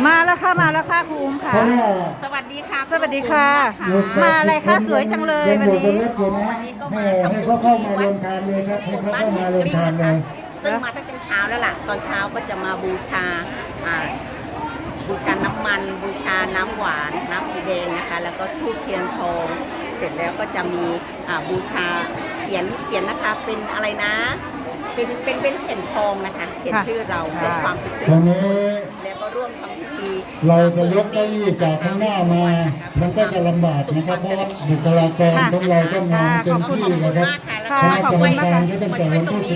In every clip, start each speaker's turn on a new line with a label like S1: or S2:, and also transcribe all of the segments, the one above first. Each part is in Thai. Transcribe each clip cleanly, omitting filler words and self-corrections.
S1: มาแล้วค่ะมาแล้วค่ะครูอุ้มค่ะ
S2: สวัสดีค่ะ
S1: สวัสดีค่ะมาอะไรคะสวยจังเลยวันนี้
S3: ให้เขาเข้ามาลงทานเลยครับให้เขาเข้ามาลงทานเลย
S2: ซึ่งมาตั้งแต่เช้าแล้วล่ะตอนเช้าก็จะมาบูชาน้ำมันบูชาน้ำหวานน้ำสีแดงนะคะแล้วก็ธูปเทียนทองเสร็จแล้วก็จะมีบูชาเขียนนะคะเป็นอะไรนะเป็นแผ่นทองนะคะเขียนชื่อเราเพื่อความเป็นสิริมงคลแล้วก็ร่วมทำพิธี
S3: เราจะยกเก้าอี้จากข้างหน้ามามันก็จะลำบากนะครับเพราะว่าบุคลากรของเราต้องงานเต็มที่นะครับคณะกรรมการก็ตั้งแต่วันที่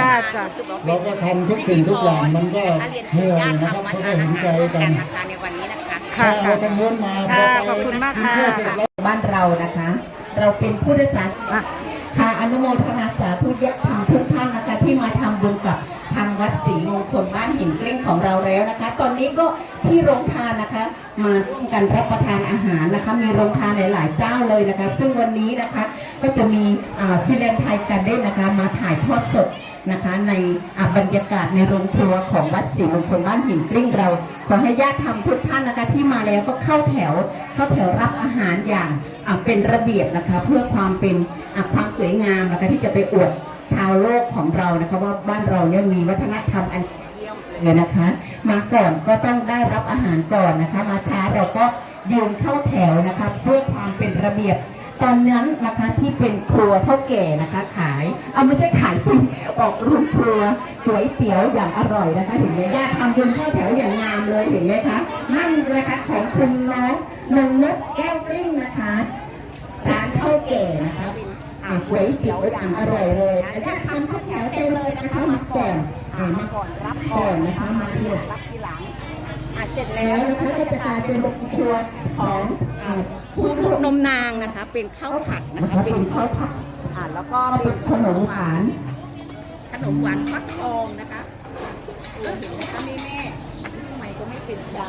S3: 15เราก็ทำทุกสิ่งทุกอย่างมันก็เหนื่อยนะครับเพราะก็เห็นใจกัน
S2: ในวันนี้นะคะ
S3: เราต้องเลื่อนมา
S1: ขอบคุณมากค่ะ
S4: บ้านเรานะคะเราเป็นผู้โดยสารค่ะอนุโมทนาสาธุญาติธรรมทุกท่านนะคะที่มาทำบุญกับทางวัดศรีมงคลบ้านหินเกลี้ยงของเราแล้วนะคะตอนนี้ก็ที่โรงทานนะคะมาร่วมกันรับประทานอาหารนะคะมีโรงทานหลายๆเจ้าเลยนะคะซึ่งวันนี้นะคะก็จะมีฟิแลนซ์ไทยกันได้นะคะมาถ่ายทอดสดนะคะในบรรยากาศในโรงครัวของวัดศรีมงคลบ้านหินเกลี้ยงเราขอให้ญาติธรรมทุกท่านนะคะที่มาแล้วก็เข้าแถวรับอาหารอย่างเป็นระเบียบนะคะเพื่อความเป็นความสวยงามนะคะที่จะไปอวดชาวโลกของเรานะคะว่าบ้านเราเนี่ยมีวัฒนธรรมอันเยี่ยมเลยนะคะมาก่อนก็ต้องได้รับอาหารก่อนนะคะมาช้าเราก็ยืนเข้าแถวนะคะเพื่อความเป็นระเบียบตอนนั้นนะคะที่เป็นครัวเท่าแก่นะคะขายไม่ใช่ขายสิออกโรงครัวก๋วยเตี๋ยวอย่างอร่อยนะคะเห็นไหมญาติทำยืนเข้าแถวอย่างงามเลยเห็นไหมคะนั่นนะคะของคุณน้องนงนกแก้วกลิ้งนะคะร้านเท่าแก่นะคะก๋วยเตี๋ยวอย่างอร่อยเลยญาติทำเข้าแถวเต็มเลยนะคะมาก่อน
S2: มาก่อนรับ
S4: ก่อนนะคะมาทีหลัง
S2: รับทีหลัง
S4: เสร็จแล้วนะคะก็จะกลายเป็นโรงครัวของ
S2: ผู้นมนางนะคะเป็นข้าวผัดนะคะ
S4: เป็นข้าวผัด
S2: แล้วก็
S4: เป็นขนมหวาน
S2: ฟักทองนะคะเห็นไหมคะแม่ทำไมก็ไม่เป็นใจ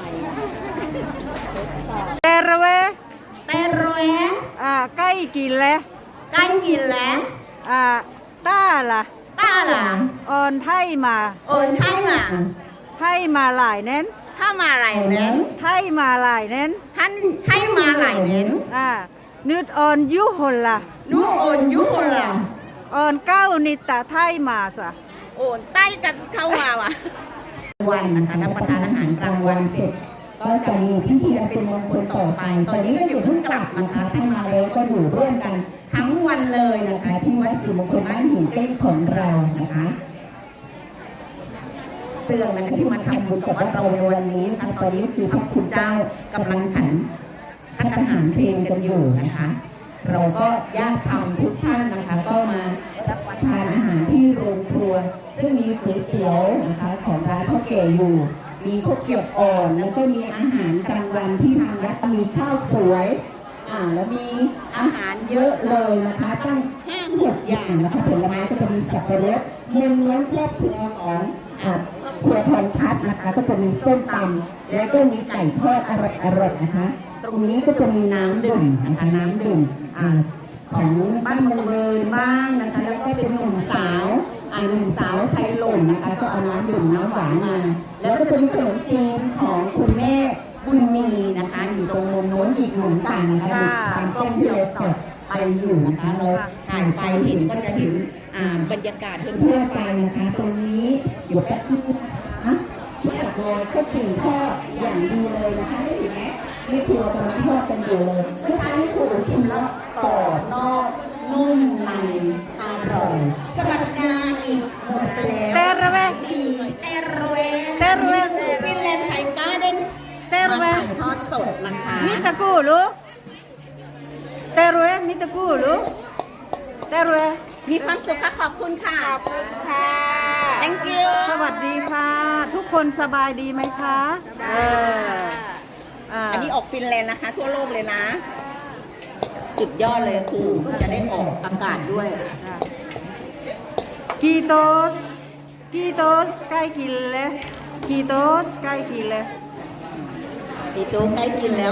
S1: เตรเวใกล้กินแล้วต้าล่ะออนไทยมาไทยมาหลายเน้น
S2: ไทยมาหลายเน้น
S1: นึดออนยุหล่ะออนเก้านิตาไทยมาสะ
S2: โอนใต้กันเข้ามาว่ะ
S4: วันนะคะรับประทานอาหารกลางวันเสร็จก็จะมีพิธีเป็นมงคลต่อไปตอนนี้ก็อยู่เพิ่งกลับนะคะถ้ามาแล้วก็อยู่ร่วมกันทั้งวันเลยนะคะที่วัดศรีมงคลบ้านหินเกลี้ยงของเรานะคะเรื่องนะคะที่มาทำบุญกับวัดเราในวันนี้นะคะตอนนี้คือพระคุณเจ้ากำลังฉันพัฒหารเพลงกันอยู่นะคะเราก็ญาติธรรมทุกท่านนะคะก็มารับประทานอาหารที่โรงครัวซึ่งมีก๋วยเตี๋ยวนะคะของร้านพ่อแก่อยู่มีข้าวเกรี๊ยวอ่อนแล้วก็มีอาหารกลางวันที่ทางวัดมีข้าวสวยแล้วมีอาหารเยอะเลยนะคะตั้ง5-6 อย่างนะคะผลไม้ก็จะมีสับปะรดเมนูครอบครัวของครัวทองพัดนะคะก็จะมีส้มตำแล้วก็มีไก่ทอดอร่อยนะคะตรงนี้ก็จะมีน้ำดื่มนะคะน้ำดื่มของบ้านเมืองเลยบ้างนะคะแล้วก็เป็นหนุ่มสาวไทยหล่นนะคะก็เอาน้ำดื่มน้ำหวานมาแล้วก็จะมีขนมจีนของคุณแม่บุญมีนะคะอยู่ตรงมุมโน้นอีกเหมือนกันนะคะตามกล้องที่เราสดไปอยู่นะคะเราถ่ายไปเห็นก็จะเห็นบรรยากาศทั่วไปนะคะตรงนี้อยู่แป๊บนึงนะคะที่สักลอยก็จีนทอดอย่างดีเลยนะคะเห็นไหมนี่ครัวกำลังทอดกันอยู่เลยก็ใช้ครัวชิมแล้วกรอบนอกนุ่มในอร่อยสวัสดิการอีกหมดไปแล้ว
S1: เตรเว
S2: ฟินแลนด์ไทยการ์เด้นมาถ่ายทอดสดนะคะ
S1: มิตะกูลูเตรเวมิตะกูลูเตรเว
S2: มีความสุขค่ะขอบคุณค่ะ thank you
S1: สวัสดีค่ะทุกคนสบายดีไหมคะ
S2: อันนี้ออกฟินแลนด์นะคะทั่วโลกเลยนะสุดยอดเลยครูจะได้ออกอากาศด้วย
S1: กีโตสใกล้กินเลยกีโตสใกล้กินเลย
S2: กีโตสใกล้กินแล้ว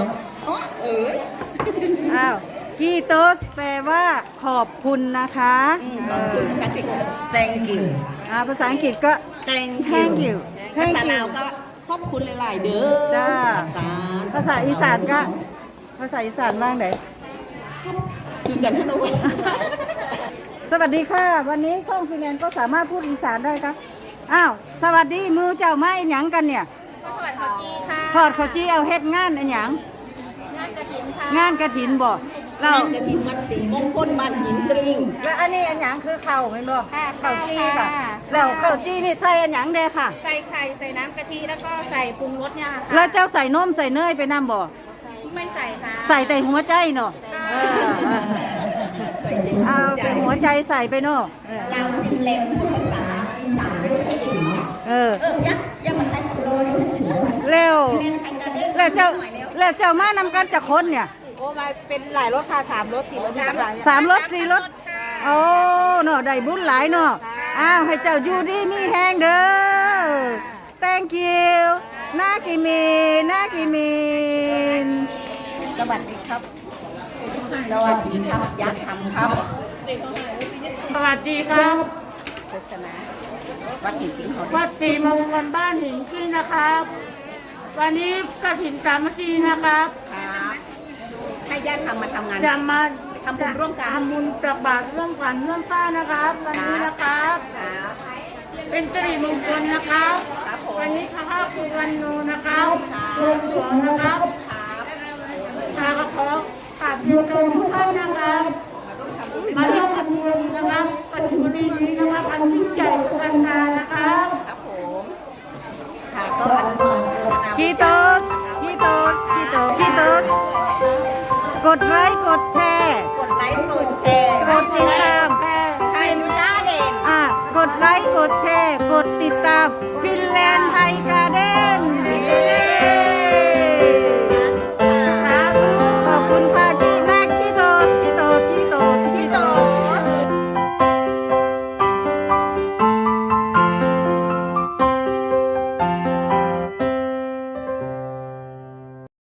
S1: กีโตสแปลว่าขอบคุณนะคะ
S2: ขอบคุณภาษาอังกฤษ thank you
S1: ภาษาอังกฤษก็
S2: thank
S1: you
S2: ภาษาลาวก็ขอบคุณหลายๆเด้อ
S1: จ้า ภาษาอีสานก็ภาษาอีสานบ้างไหน
S2: คือกันทั้งนั้น
S1: สวัสดีค่ะ วันนี้ช่องฟินแลนด์ก็สามารถพูดอีสานได้ครับอ้าวสวัสดีมือเจ้าไม้หยังกันเนี่ยทอดข้าวจี้เอาเฮ็ดงานอันหยังงานกฐินค่ะงานกฐินบ่เรา
S2: งานกฐินวัดศรีมงคลบ้านหินตริง
S1: แล้วอันนี้อันหยังคือข้าวแม่นบ่ข้าวจี้ค่ะแล้วข้าวจี้นี่ใส่อันหยังเด้ค่ะ
S5: ใส่ไข่ใส่น้ำกะทิแล้วก็ใส่ปรุงรสเนี่ยค่ะ
S1: แล้วเจ้าใส่นมใส่เนยไปน้ำบ่
S5: ไม่ใส่ค่ะ
S1: ใส่แต่หัวใจเนาะเอาแต่หัวใจใส่ไปเนาะ
S4: ลาวฟินแลนด์ภาษาอีสานไม่ได้ถึง
S2: ยังมันให้โดน
S1: เร็วแล้วเจ้ามานำกันจากคนเนี่ย
S5: โอ้มาเป็นหลายรสค่ะ3 รส 4 รส
S1: 3 รถ 4 รถโอ้เนาะได้บุญหลายเนาะอ้าวให้เจ้าอยู่ดีมีแฮงเด้อ thank you นากิมิน
S2: สวัสดีครับสวัสดีครับยักษ์ทำครับ
S5: สวัสดีครับ
S2: โฆษณาวัดหินปิ้งเขา
S5: วัดศรีมงคลบ้านหินขึ้นนะครับ วันนี้กฐินสามัคคีนะครับ
S2: ครับให้ญาติทำมาทำงาน
S5: จะมา
S2: ทำบุญร่วมกัน
S5: ทำบุญตักบาตรร่วมกันร่วมป้านะครับวันนี้นะครับ
S2: ครับ
S5: เป็นสิริมงคลนะครับ
S2: ครับผม
S5: วันนี้พระภาคคือวันโนนะครับรวมสวงนะครับขอกราบเรียนทุกท่านนะครับ มาร่วมทำบุญนะครับปัจจุบันนี้นะครับอันยิ่งใหญ่กันดานะครับ
S2: ครับผมค่ะก็อนุโมทนา
S1: กีโตสกดไลค์กดแชร์
S2: กดไลค์กดแชร์
S1: กดติดตาม
S2: ไทยหน้าเด่น
S1: กดไลค์กดแชร์ กดติดตามฟินแลนด์ไทยการ์เด้น